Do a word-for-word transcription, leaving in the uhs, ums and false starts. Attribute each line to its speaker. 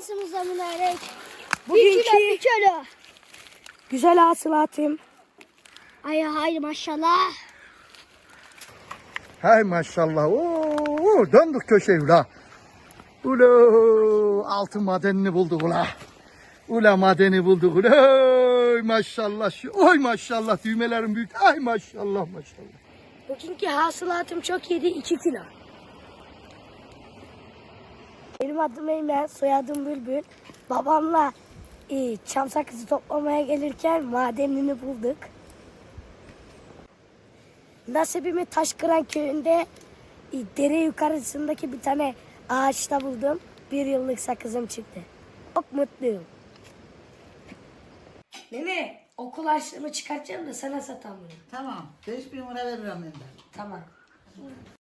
Speaker 1: şansımıza mübarek.
Speaker 2: Bugünkü
Speaker 1: Bir kilo, bir kilo.
Speaker 2: güzel hasılatım.
Speaker 1: Ay hayır maşallah.
Speaker 3: Hay maşallah. Oo, döndük köşeyi ula. Ula altın madenini bulduk ula. Ula madeni bulduk ula. Oy maşallah. Şu- Oy maşallah düğmelerim büyük. Ay maşallah maşallah.
Speaker 2: Bugünkü hasılatım çok iyiydi, iki kilo. Benim adım Eymen, soyadım Bülbül. Babamla e, çam sakızı toplamaya gelirken madenini bulduk. Nasibimi Taşkıran köyünde e, dere yukarısındaki bir tane ağaçta buldum. Bir yıllık sakızım çıktı. Çok mutluyum. Nene, okul harçlığımı çıkartacağım da sana satamıyorum.
Speaker 4: Tamam. beş bin lira veririm ben de.
Speaker 2: Tamam.